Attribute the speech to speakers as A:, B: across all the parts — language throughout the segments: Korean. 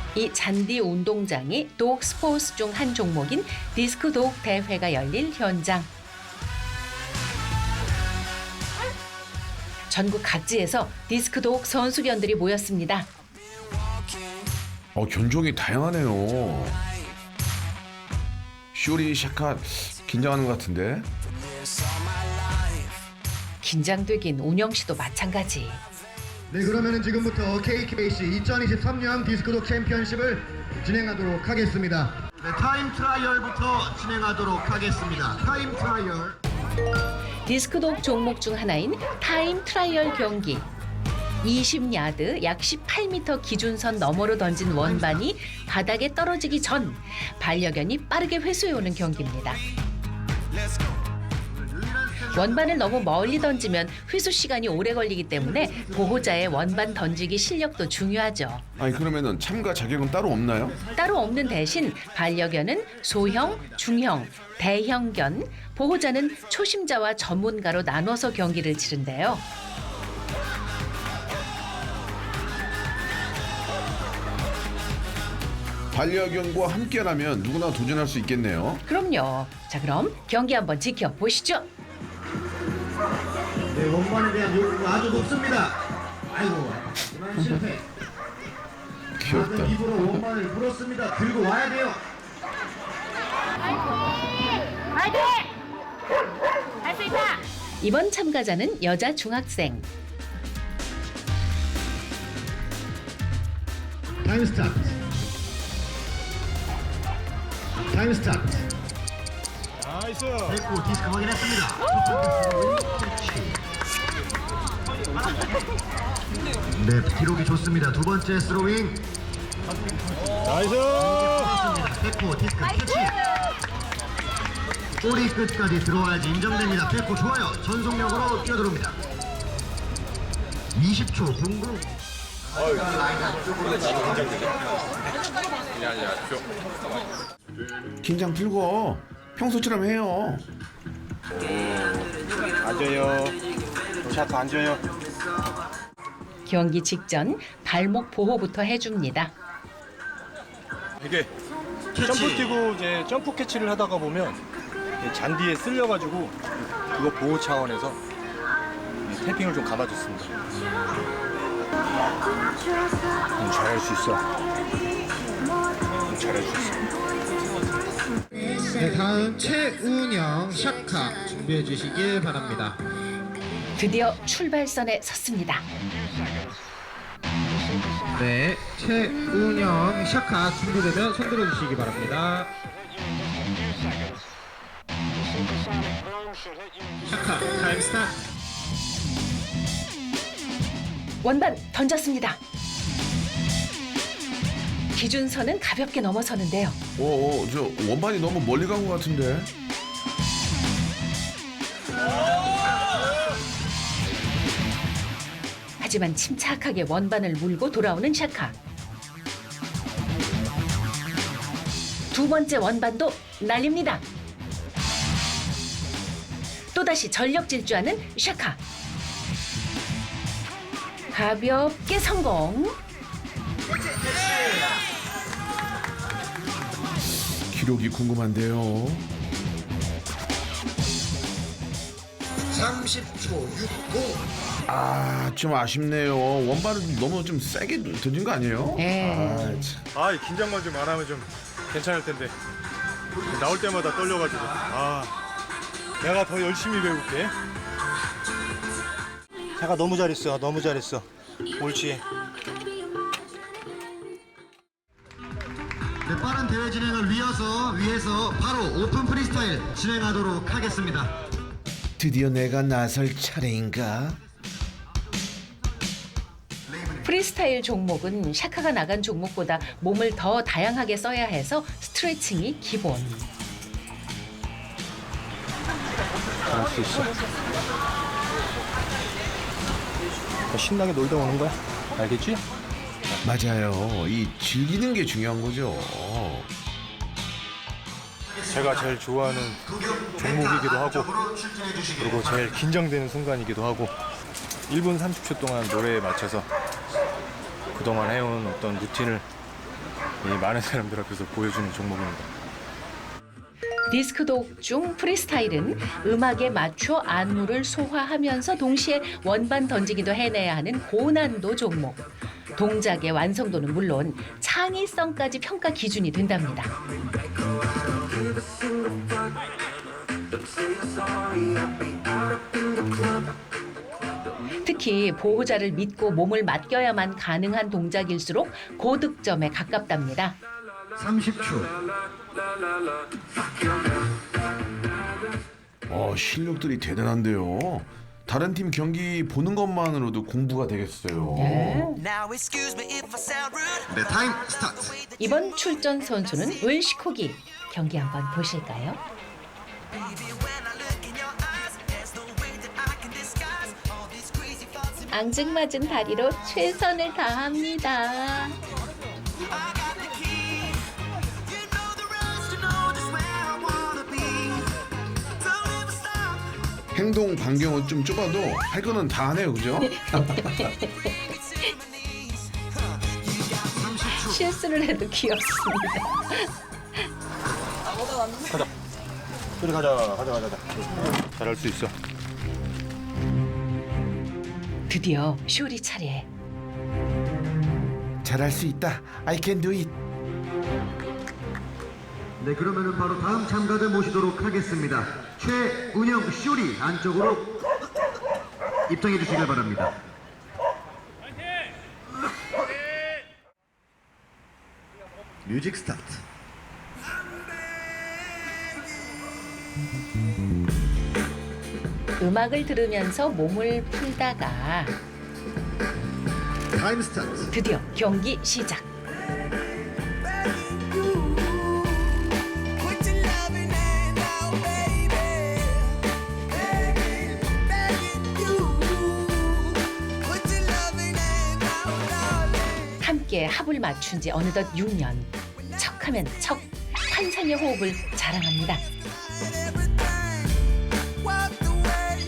A: 이 잔디 운동장이 독 스포츠 중 한 종목인 디스크 독 대회가 열릴 현장. 전국 각지에서 디스크 독 선수견들이 모였습니다.
B: 견종이 다양하네요. 쇼리, 샤카 긴장하는 것 같은데.
A: 긴장되긴 운영 씨도 마찬가지.
C: 네, 그러면은 지금부터 KKC 2023년 디스크독 챔피언십을 진행하도록 하겠습니다. 네, 타임 트라이얼부터 진행하도록 하겠습니다. 타임 트라이얼.
A: 디스크 독 종목 중 하나인 타임 트라이얼 경기. 20야드 약 18m 기준선 너머로 던진 원반이 바닥에 떨어지기 전 반려견이 빠르게 회수해오는 경기입니다. 원반을 너무 멀리 던지면 회수 시간이 오래 걸리기 때문에 보호자의 원반 던지기 실력도 중요하죠.
B: 아니 그러면은 참가 자격은 따로 없나요?
A: 따로 없는 대신 반려견은 소형, 중형, 대형견, 보호자는 초심자와 전문가로 나눠서 경기를 치른대요.
B: 반려견과 함께라면 누구나 도전할 수 있겠네요.
A: 그럼요. 자, 그럼 경기 한번 지켜보시죠.
C: 네, 원반에 대한 요구가 아주 높습니다. 아이고, 그만 실패.
B: 귀엽다.
C: 작은 입으로 원반을 불었습니다. 들고 와야 돼요.
D: 화이팅! 할 수 있다!
A: 이번 참가자는 여자 중학생.
C: 타임 스타트. 타임 스타트.
E: 나이스.
C: 됐고 디스크 확인했습니다. 네, 기록이 좋습니다. 두 번째 스로잉.
E: 나이스.
C: 됐고 디스크 캐치. 꼬리 끝까지 들어와야지 인정됩니다. 됐고 좋아요. 전속력으로 뛰어들어옵니다. 20초 공부.
B: 긴장 풀고 평소처럼 해요.
E: 앉아요. 샷 앉아요.
A: 경기 직전 발목 보호부터 해줍니다.
E: 이게 점프 뛰고 이제 점프 캐치를 하다가 보면 이 잔디에 쓸려가지고 그거 보호 차원에서 탭핑을 좀 감아줬습니다. 잘할 수 있어. 잘할 수 있어.
F: 네, 다음 최운영 샤카 준비해 주시길 바랍니다.
A: 드디어 출발선에 섰습니다.
F: 네, 최운영 샤카 준비되면 손 들어 주시기 바랍니다. 샤카 타임 스타트.
A: 원반 던졌습니다. 기준선은 가볍게 넘어서는데요.
B: 저 원반이 너무 멀리 간 것 같은데.
A: 하지만 침착하게 원반을 물고 돌아오는 샤카. 두 번째 원반도 날립니다. 또다시 전력 질주하는 샤카. 가볍게 성공.
B: 기록이 궁금한데요.
C: 30초 60.
B: 좀 아쉽네요. 원반을 너무 좀 세게 던진 거 아니에요?
A: 네.
E: 아, 이 긴장만 좀 안 하면 좀 괜찮을 텐데 나올 때마다 떨려가지고. 내가 더 열심히 배울게. 샤카 너무 잘했어. 너무 잘했어. 옳지.
C: 네, 빠른 대회 진행을 위해서 바로 오픈 프리스타일 진행하도록 하겠습니다.
B: 드디어 내가 나설 차례인가?
A: 프리스타일 종목은 샤카가 나간 종목보다 몸을 더 다양하게 써야 해서 스트레칭이 기본.
E: 잘할 수 있어. 신나게 놀다 오는 거야. 알겠지?
B: 맞아요. 이 즐기는 게 중요한 거죠.
E: 제가 제일 좋아하는 종목이기도 하고 그리고 제일 긴장되는 순간이기도 하고 1분 30초 동안 노래에 맞춰서 그동안 해온 어떤 루틴을 이 많은 사람들 앞에서 보여주는 종목입니다.
A: 디스크 독중 프리스타일은 음악에 맞춰 안무를 소화하면서 동시에 원반 던지기도 해내야 하는 고난도 종목. 동작의 완성도는 물론 창의성까지 평가 기준이 된답니다. 특히 보호자를 믿고 몸을 맡겨야만 가능한 동작일수록 고득점에 가깝답니다.
C: 30초.
B: 실력들이 대단한데요. 다른 팀 경기 보는 것만으로도 공부가 되겠어요.
G: Now excuse me if I sound rude.
C: 네, 타임 스타트.
A: 이번 출전 선수는 을시코기. 경기 한번 보실까요?
G: Baby, when I look in your eyes, there's no way that I can disguise all these crazy thoughts in
A: 앙증맞은 다리로 최선을 다합니다.
G: I got the key. You know the rest, you know just where I wanna be. Don't ever stop.
B: 행동 반경은 좀 좁아도 할 거는 다 하네요, 그죠?
G: It's in my knees. You got me.
A: 실수를 해도 귀엽습니다.
E: 우리 가자. 잘할 수 있어.
A: 드디어 쇼리 차례.
B: 잘할 수 있다. I can do it.
C: 네, 그러면은 바로 다음 참가자 모시도록 하겠습니다. 최운영 쇼리 안쪽으로 입장해 주시길 바랍니다. 뮤직 스타트.
A: 음악을 들으면서 몸을 풀다가
C: 타임 스타트.
A: 드디어 경기 시작.
G: Put your loving hand out, baby. Begging, begging you. Put your loving hand out, darling.
A: 함께 합을 맞춘 지 어느덧 6년. 척하면 척. 환상의 호흡을 자랑합니다.
G: And everything walked away,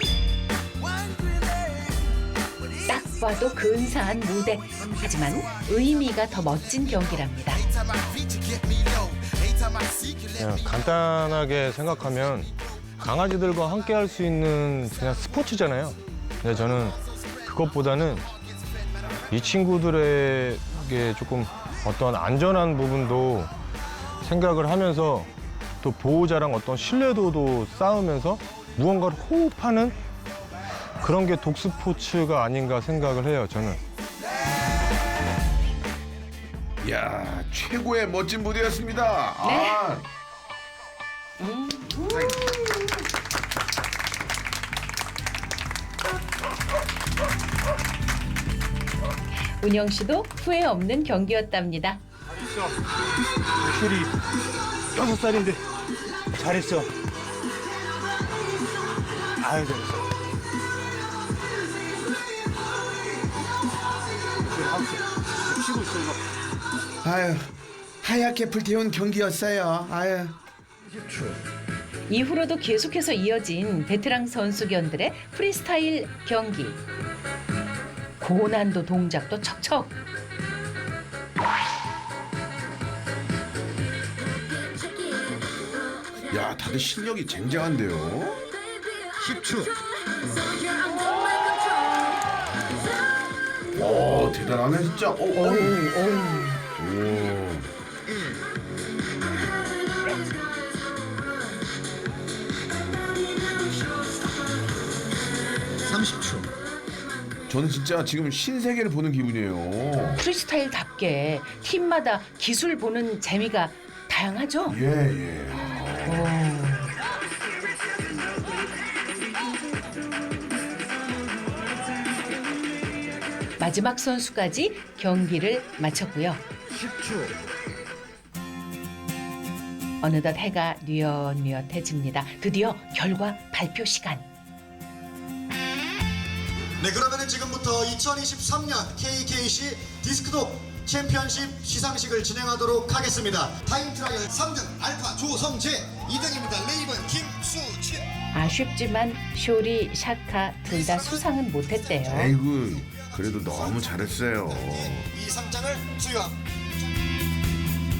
G: wondering.
A: 딱 봐도 근사한 무대. 하지만 의미가 더 멋진 경기랍니다.
E: 그냥 간단하게 생각하면 강아지들과 함께 할 수 있는 그냥 스포츠잖아요. 근데 저는 그것보다는 이 친구들에게 조금 어떤 안전한 부분도 생각을 하면서 또 보호자랑 어떤 신뢰도도 쌓으면서 무언가를 호흡하는 그런 게 독스포츠가 아닌가 생각을 해요, 저는.
B: 이야, 최고의 멋진 무대였습니다.
A: 네. 운영 씨도 후회 없는 경기였답니다.
E: 슈리 6살인데 잘했어. 아유, 잘했어. 쉬고 있어, 이거.
B: 아유, 하얗게 불태운 경기였어요. 아유.
A: 이후로도 계속해서 이어진 베테랑 선수견들의 프리스타일 경기. 고난도 동작도 척척.
B: 야, 다들 실력이 쟁쟁한데요.
C: 10초.
B: 오, 대단하네 진짜. 오.
C: 30초.
B: 저는 진짜 지금 신세계를 보는 기분이에요.
A: 프리스타일답게 팀마다 기술 보는 재미가 다양하죠?
B: 예.
A: 마지막 선수까지 경기를 마쳤고요.
C: 10초.
A: 어느덧 해가 뉘엿뉘엿해집니다. 드디어 결과 발표 시간.
C: 네, 그러면은 지금부터 2023년 KKC 디스크독 챔피언십 시상식을 진행하도록 하겠습니다. 타임 트라이얼 3등 알파 조성재, 2등입니다. 레이븐 김수진.
A: 아쉽지만 쇼리, 샤카 둘 다 수상은 못했대요.
B: 아이고, 그래도 너무 잘했어요.
C: 이 상장을 수여합니다.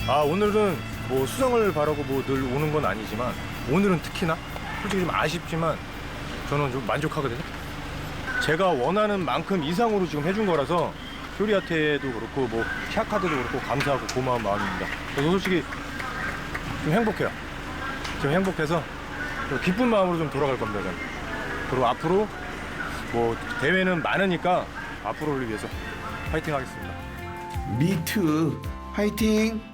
E: 오늘은 뭐 수성을 바라고 뭐 늘 오는 건 아니지만 오늘은 특히나 솔직히 좀 아쉽지만 저는 좀 만족하거든요. 제가 원하는 만큼 이상으로 지금 해준 거라서 쇼리한테도 그렇고 뭐 샤카드도 그렇고 감사하고 고마운 마음입니다. 저도 솔직히 좀 행복해요. 좀 행복해서 좀 기쁜 마음으로 좀 돌아갈 겁니다. 저는. 그리고 앞으로 뭐 대회는 많으니까 앞으로를 위해서 파이팅 하겠습니다.
B: 미투 화이팅!